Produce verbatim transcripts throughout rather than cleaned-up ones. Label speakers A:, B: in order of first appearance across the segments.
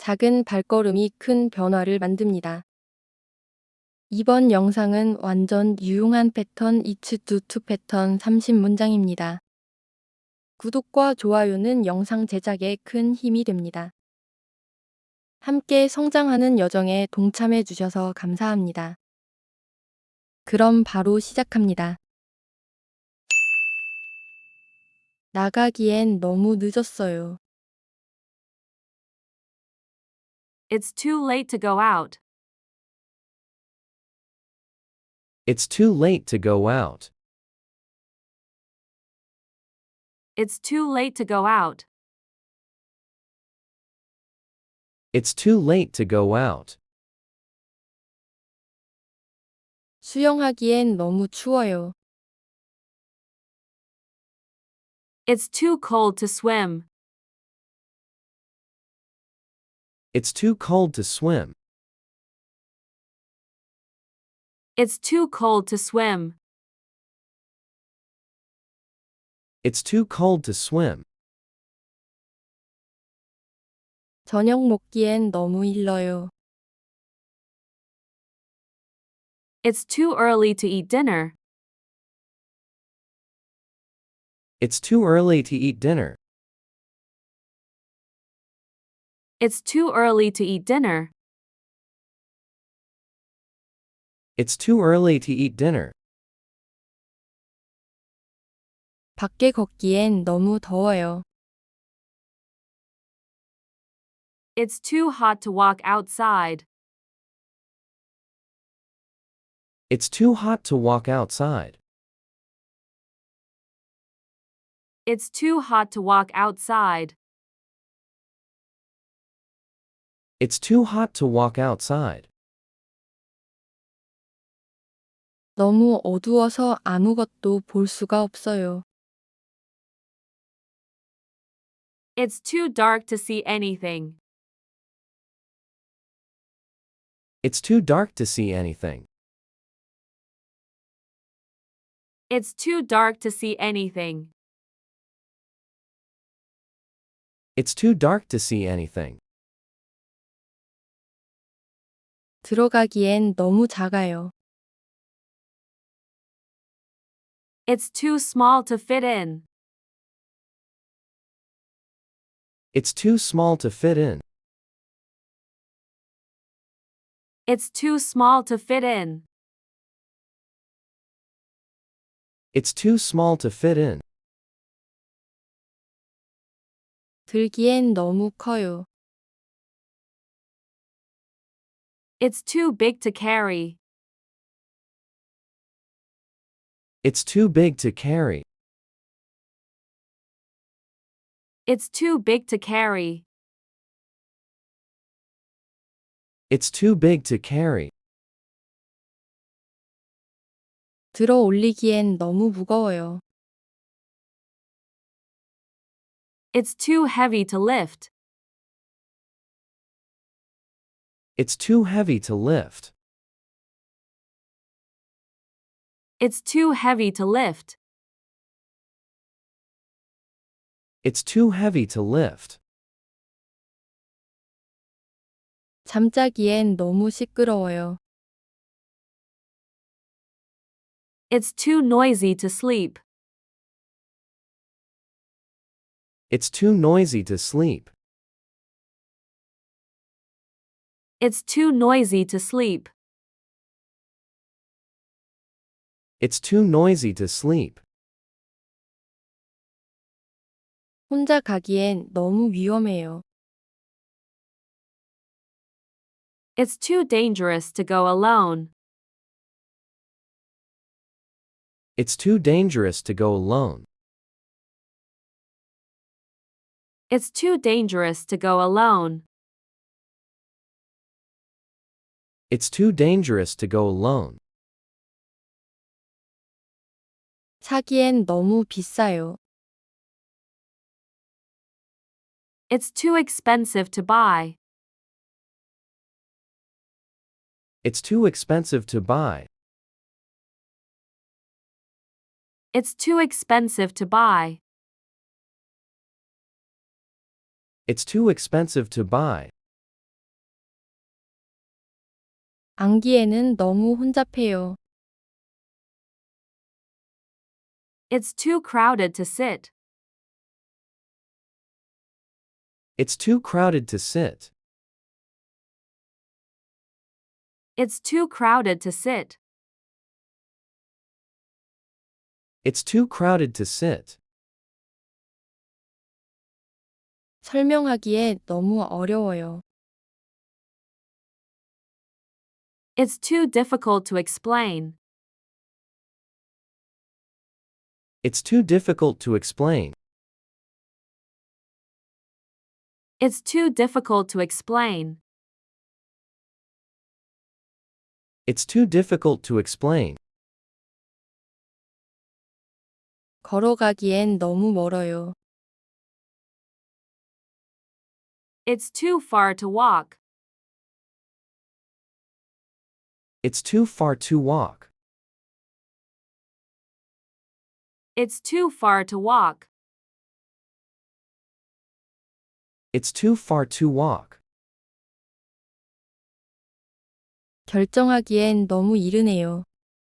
A: 작은 발걸음이 큰 변화를 만듭니다. 이번 영상은 완전 유용한 패턴 It's do to 패턴 삼십 문장입니다. 구독과 좋아요는 영상 제작에 큰 힘이 됩니다. 함께 성장하는 여정에 동참해 주셔서 감사합니다. 그럼 바로 시작합니다. 나가기엔 너무 늦었어요.
B: It's too late to go out.
C: It's too late to go out.
B: It's too late to go out.
C: It's too late to go out.
A: 수영하기엔 너무 추워요.
B: It's too cold to swim.
C: It's too cold to swim.
B: It's too cold to swim.
C: It's too cold to swim.
A: 저녁 먹기엔 너무 일러요.
B: It's too early to eat dinner.
C: It's too early to eat dinner.
B: It's too early to eat dinner.
C: It's too early to eat dinner.
A: 밖에 걷기엔 너무 더워요.
B: It's too hot to walk outside.
C: It's too hot to walk outside.
B: It's too hot to walk outside.
C: It's too hot to walk outside.
A: 너무 어두워서 아무것도 볼 수가 없어요.
B: It's too dark to see anything.
C: It's too dark to see anything.
B: It's too dark to see anything.
C: It's too dark to see anything.
A: 들어가기엔 너무 작아요.
B: It's too small to fit in.
C: It's too small to fit in.
B: It's too small to fit in.
C: It's too small to fit in.
A: 들기엔 너무 커요.
B: It's too big to carry.
C: It's too big to carry.
B: It's too big to carry.
C: It's too big to carry.
A: 들어 올리기엔 너무 무거워요.
B: It's too heavy to lift.
C: It's too heavy to lift.
B: It's too heavy to lift.
C: It's too heavy to lift.
A: 잠자기엔 너무 시끄러워요.
B: It's too noisy to sleep.
C: It's too noisy to sleep.
B: It's too noisy to sleep.
C: It's too noisy to sleep.
A: 혼자 가기엔 너무 위험해요.
B: It's too dangerous to go alone.
C: It's too dangerous to go alone.
B: It's too dangerous to go alone.
C: It's too dangerous to go alone.
A: 사기엔 너무 비싸요.
B: It's too expensive to buy.
C: It's too expensive to buy.
B: It's too expensive to buy.
C: It's too expensive to buy.
A: 앉기에는 너무 혼잡해요.
B: It's too crowded to sit.
C: It's too crowded to sit.
B: It's too crowded to sit.
C: It's too crowded to sit.
A: 설명하기에 너무 어려워요.
B: It's too difficult to explain.
C: It's too difficult to explain.
B: It's too difficult to explain.
C: It's too difficult to explain.
A: 걸어가기엔 너무 멀어요.
B: It's too far to walk.
C: It's too far to walk.
B: It's too far to walk.
C: It's too far to walk.
A: 결정하기엔 너무 이르네요.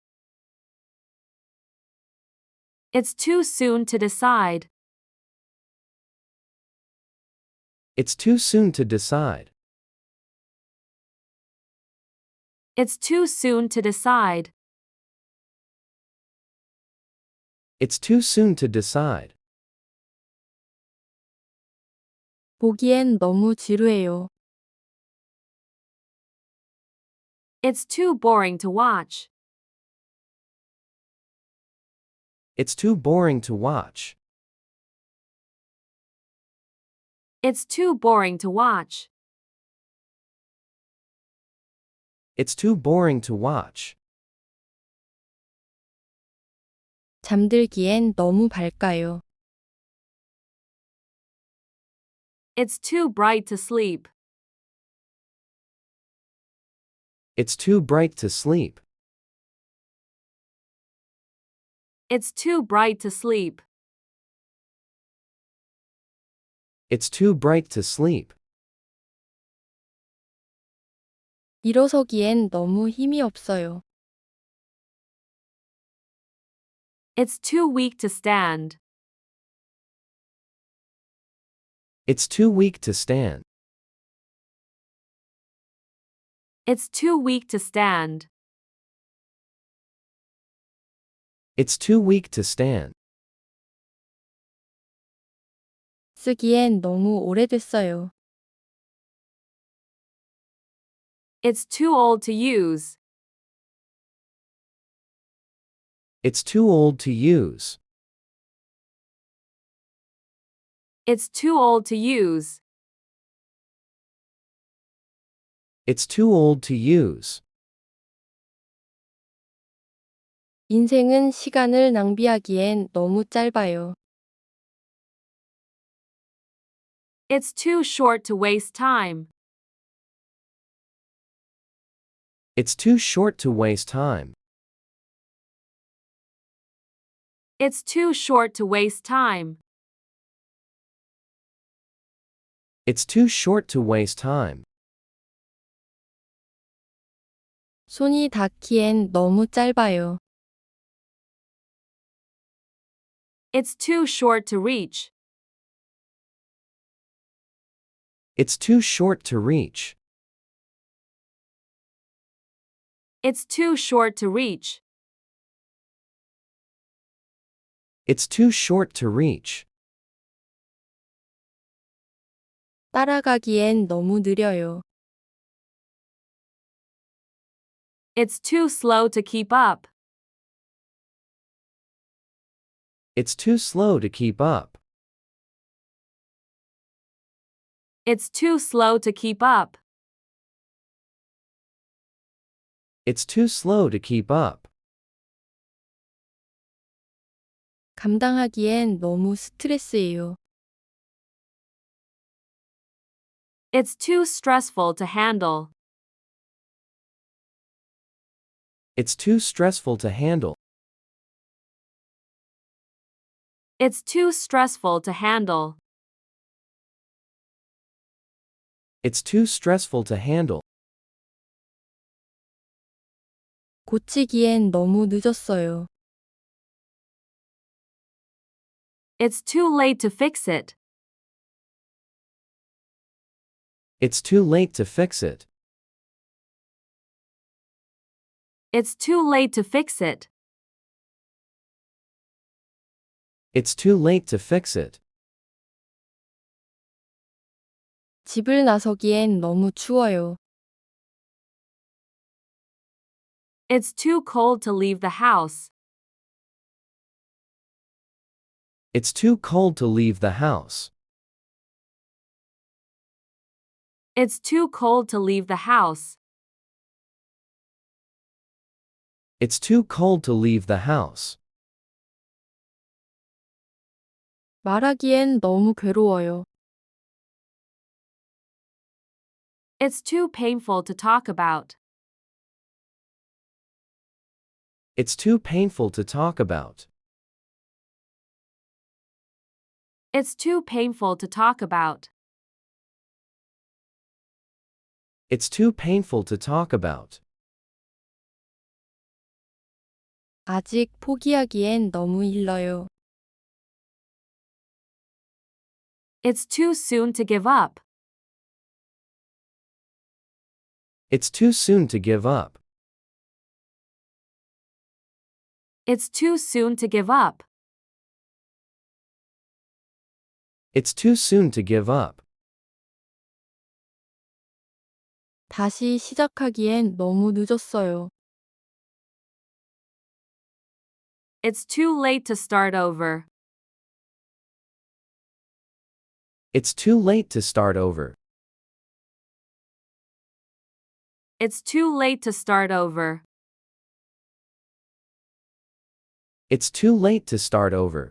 B: It's too soon to decide.
C: It's too soon to decide.
B: It's too soon to decide.
C: It's too soon to decide.
A: 보기엔 너무 지루해요.
B: It's too boring to watch.
C: It's too boring to watch.
B: It's too boring to watch.
C: It's too boring to watch.
A: 잠들기엔 너무 밝아요.
B: It's too bright to sleep.
C: It's too bright to sleep.
B: It's too bright to sleep.
C: It's too bright to sleep.
A: 일어서기엔 너무 힘이 없어요.
B: It's too weak to stand.
C: It's too weak to stand.
B: It's too weak to stand.
C: It's too weak to stand.
A: 쓰기엔 너무 오래됐어요.
B: It's too old to use.
C: It's too old to use.
B: It's too old to use.
C: It's too old to use.
A: 인생은 시간을 낭비하기엔 너무 짧아요.
B: It's too short to waste time.
C: It's too short to waste time.
B: It's too short to waste time.
C: It's too short to waste time.
A: 손이 닿기엔 너무 짧아요.
B: It's too short to reach.
C: It's too short to reach.
B: It's too short to reach.
C: It's too short to reach.
A: 따라가기엔 너무 느려요.
B: It's too slow to keep up.
C: It's too slow to keep up.
B: It's too slow to keep up.
C: It's too slow to keep up.
A: 감당하기엔 너무 스트레스예요.
B: It's too stressful to handle.
C: It's too stressful to handle.
B: It's too stressful to handle.
C: It's too stressful to handle.
A: 고치기엔 너무 늦었어요.
B: It's too late to fix it.
C: It's too late to fix it.
B: It's too late to fix it.
C: It's too late to fix it.
A: 집을 나서기엔 너무 추워요.
B: It's too cold to leave the house.
C: It's too cold to leave the house.
B: It's too cold to leave the house.
C: It's too cold to leave the house.
A: 말하기엔 너무 괴로워요.
B: It's too painful to talk about.
C: It's too painful to talk about.
B: It's too painful to talk about.
C: It's too painful to talk about.
A: 아직 포기하기엔 너무 일러요.
B: It's too soon to give up.
C: It's too soon to give up.
B: It's too soon to give up.
C: It's too soon to give up.
A: 다시 시작하기엔 너무 늦었어요.
B: It's too late to start over.
C: It's too late to start over.
B: It's too late to start over.
C: It's too late to start over.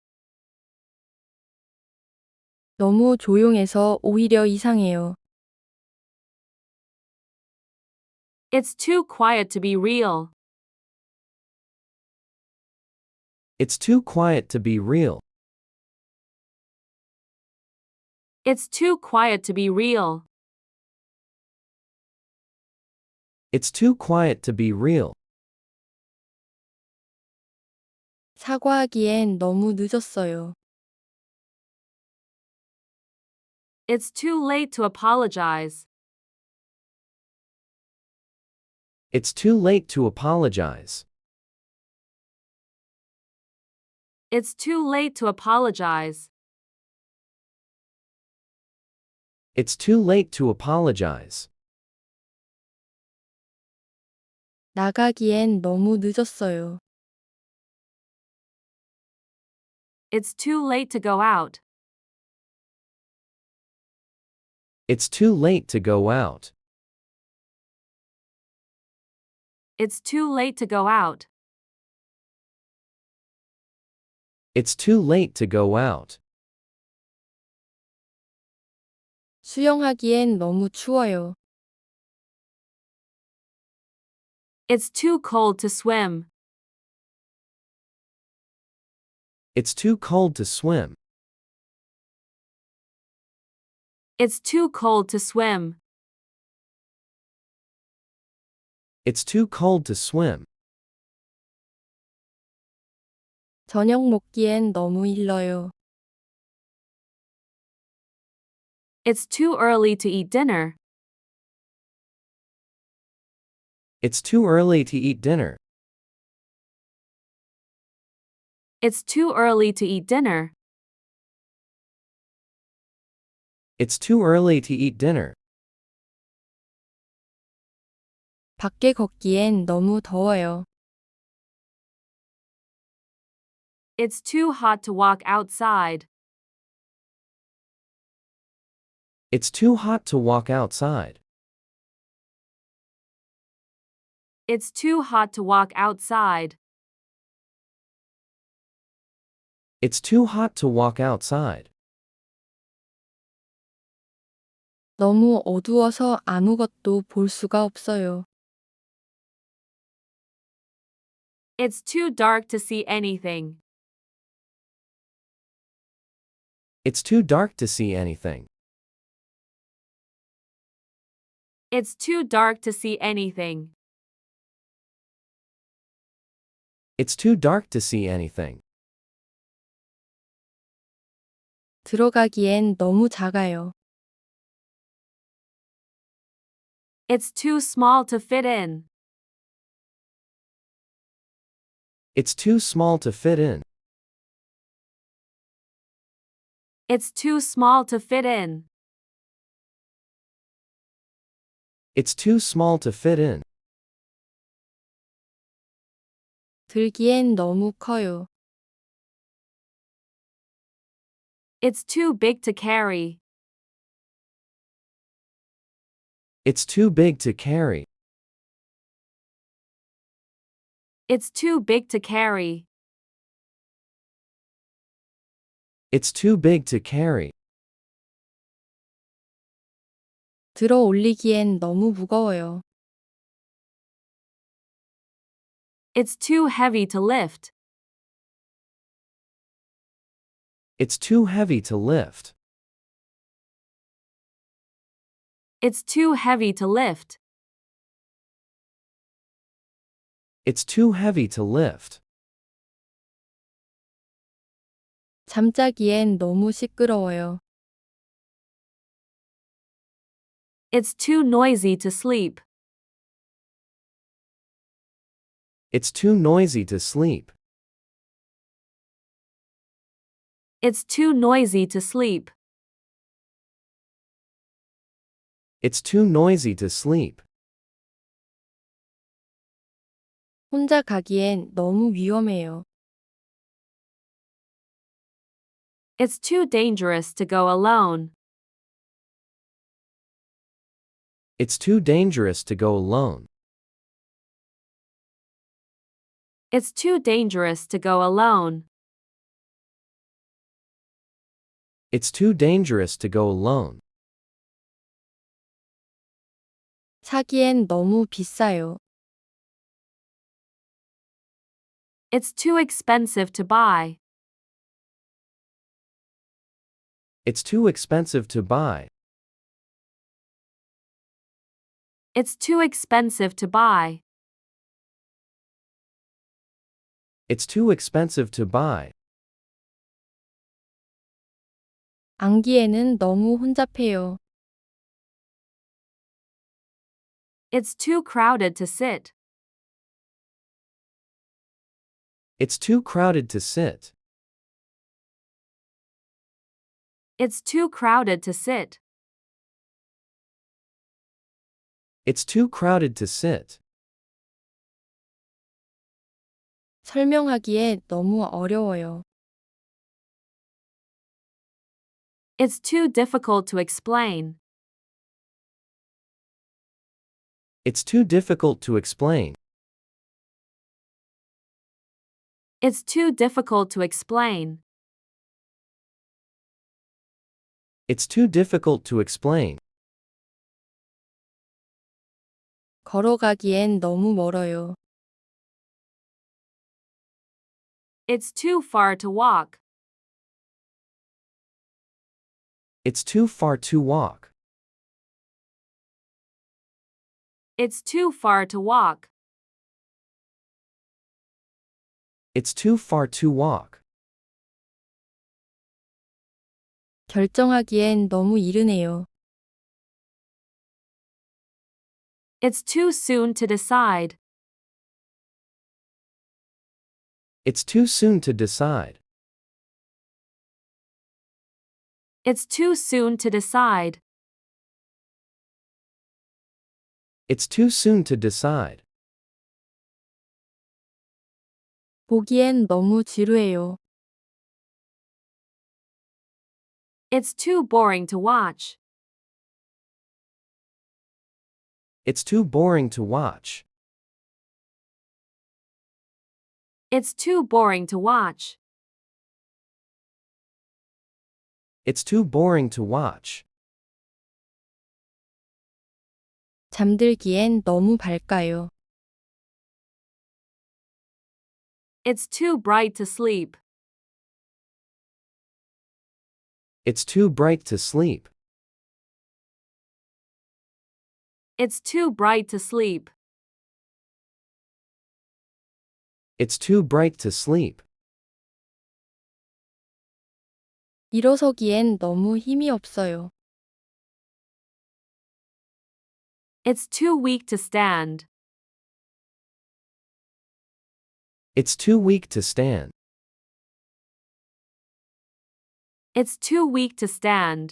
A: 너무 조용해서 오히려 이상해요.
B: It's too quiet to be real.
C: It's too quiet to be real.
B: It's too quiet to be real.
C: It's too quiet to be real.
A: 사과하기엔 너무 늦었어요.
B: It's too late to apologize.
C: It's too late to apologize.
B: It's too late to apologize.
C: It's too late to apologize.
A: 나가기엔 너무 늦었어요.
B: It's too late to go out.
C: It's too late to go out.
B: It's too late to go out.
C: It's too late to go out.
A: 수영하기엔 너무 추워요.
B: It's too cold to swim.
C: It's too cold to swim.
B: It's too cold to swim.
C: It's too cold to swim.
A: 저녁 먹기엔 너무 일러요.
B: It's too early to eat dinner.
C: It's too early to eat dinner.
B: It's too early to eat dinner.
C: It's too early to eat dinner.
A: 밖에 걷기엔 너무 더워요.
B: It's too hot to walk outside.
C: It's too hot to walk outside.
B: It's too hot to walk outside.
C: It's too hot to walk outside.
A: 너무 어두워서 아무것도 볼 수가 없어요.
B: It's too dark to see anything.
C: It's too dark to see anything.
B: It's too dark to see anything.
C: It's too dark to see anything.
A: 들어가기엔 너무 작아요.
B: It's too small to fit in.
C: It's too small to fit in.
B: It's too small to fit in.
C: It's too small to fit in.
A: 들기엔 너무 커요.
B: It's too big to carry.
C: It's too big to carry.
B: It's too big to carry.
C: It's too big to carry.
A: 들어 올리기엔 너무 무거워요.
B: It's too heavy to lift.
C: It's too heavy to lift.
B: It's too heavy to lift.
C: It's too heavy to lift.
A: 잠자기엔 너무 시끄러워요.
B: It's too noisy to sleep.
C: It's too noisy to sleep.
B: It's too noisy to sleep.
C: It's too noisy to sleep.
A: 혼자 가기엔 너무 위험해요.
B: It's too dangerous to go alone.
C: It's too dangerous to go alone.
B: It's too dangerous to go alone.
C: It's too dangerous to go alone.
A: 사기엔 너무 비싸요.
B: It's too expensive to buy.
C: It's too expensive to buy.
B: It's too expensive to buy.
C: It's too expensive to buy.
A: 앉기에는 너무 혼잡해요.
B: It's too crowded to sit.
C: It's too crowded to sit.
B: It's too crowded to sit.
C: It's too crowded to sit.
A: 설명하기에 너무 어려워요.
B: It's too difficult to explain.
C: It's too difficult to explain.
B: It's too difficult to explain.
C: It's too difficult to explain.
A: 걸어가기엔 너무 멀어요.
B: It's too far to walk.
C: It's too far to walk.
B: It's too far to walk.
C: It's too far to walk.
A: 결정하기엔 너무 이르네요.
B: It's too soon to decide.
C: It's too soon to decide.
B: It's too soon to decide.
C: It's too soon to decide.
A: 보기엔 너무 지루해요.
B: It's too boring to watch.
C: It's too boring to watch.
B: It's too boring to watch.
C: It's too boring to watch.
A: 잠들기엔 너무 밝아요.
B: It's too bright to sleep.
C: It's too bright to sleep.
B: It's too bright to sleep.
C: It's too bright to sleep.
A: 일어서기엔 너무 힘이 없어요.
B: It's too weak to stand.
C: It's too weak to stand.
B: It's too weak to stand.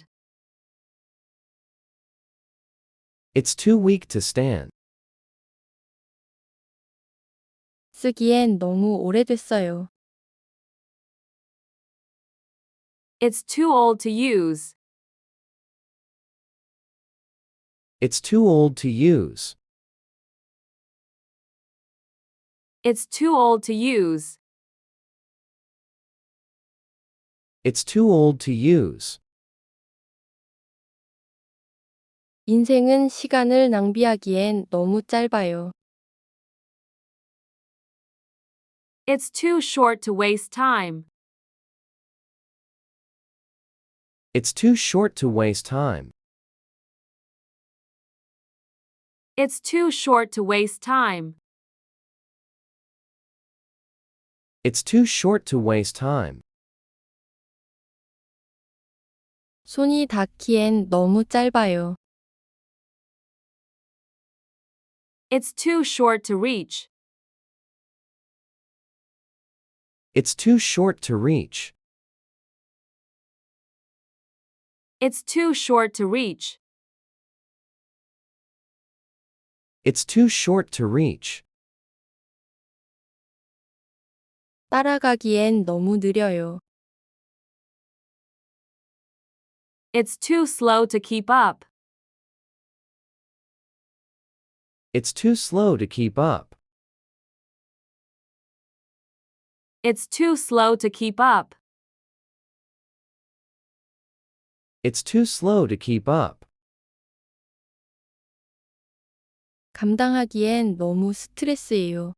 C: It's too weak to stand.
A: 쓰기엔 너무 오래됐어요.
B: It's too old to use.
C: It's too old to use.
B: It's too old to use.
C: It's too old to use.
A: 인생은 시간을 낭비하기엔 너무 짧아요.
B: It's too short to waste time.
C: It's too short to waste time.
B: It's too short to waste time.
C: It's too short to waste time.
A: 손이 닿기엔 너무 짧아요.
B: It's too short to reach.
C: It's too short to reach.
B: It's too short to reach.
C: It's too short to reach.
A: 따라가기엔 너무 느려요.
B: It's too slow to keep up.
C: It's too slow to keep up.
B: It's too slow to keep up.
C: It's too slow to keep up.
A: 감당하기엔 너무 스트레스예요.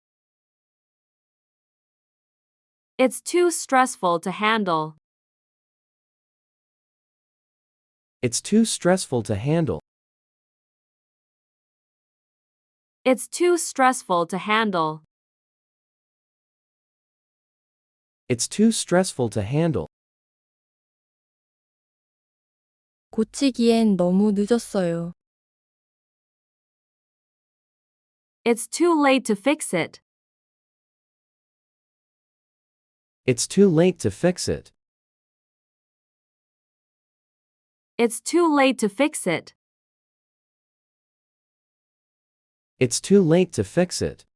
B: It's too stressful to handle.
C: It's too stressful to handle.
B: It's too stressful to handle.
C: It's too stressful to handle.
A: 고치기엔 너무 늦었어요.
B: It's too late to fix it.
C: It's too late to fix it.
B: It's too late to fix it.
C: It's too late to fix it.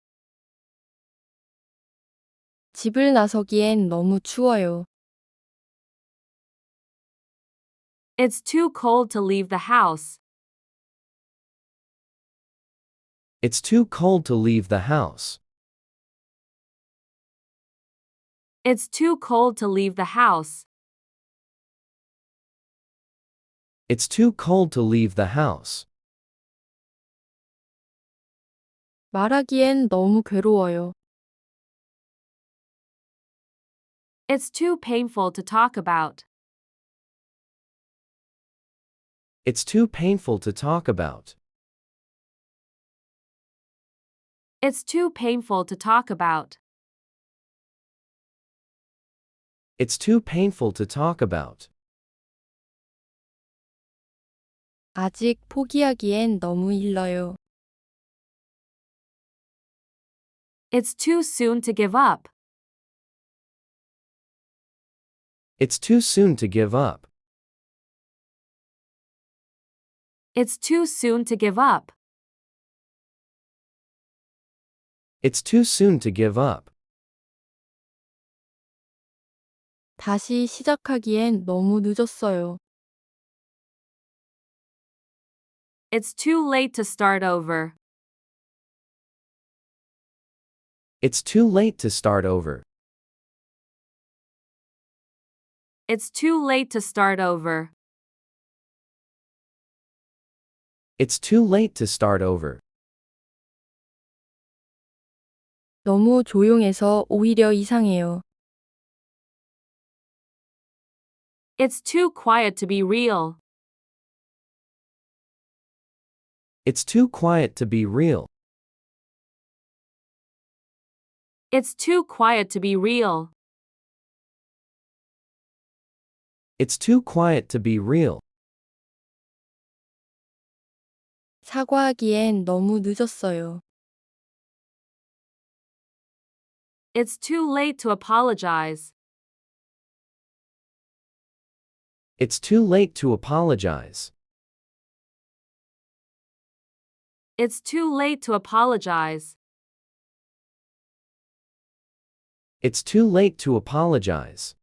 A: 집을 나서기엔 너무 추워요.
B: It's too cold to leave the house.
C: It's too cold to leave the house.
B: It's too cold to leave the house.
C: It's too cold to leave the house.
A: 말하기엔 너무 괴로워요.
B: It's too painful to talk about.
C: It's too painful to talk about.
B: It's too painful to talk about.
C: It's too painful to talk about.
A: 아직 포기하기엔 너무 일러요.
B: It's too soon to give up.
C: It's too soon to give up.
B: It's too soon to give up.
C: It's too soon to give up.
A: 다시 시작하기엔 너무 늦었어요.
B: It's too late to start over.
C: It's too late to start over.
B: It's too late to start over.
C: It's too late to start over.
A: 너무 조용해서 오히려 이상해요.
B: It's too quiet to be real.
C: It's too quiet to be real.
B: It's too quiet to be real.
C: It's too quiet to be real.
A: 사과하기엔 너무 늦었어요.
B: It's too late to apologize.
C: It's too late to apologize.
B: It's too late to apologize.
C: It's too late to apologize.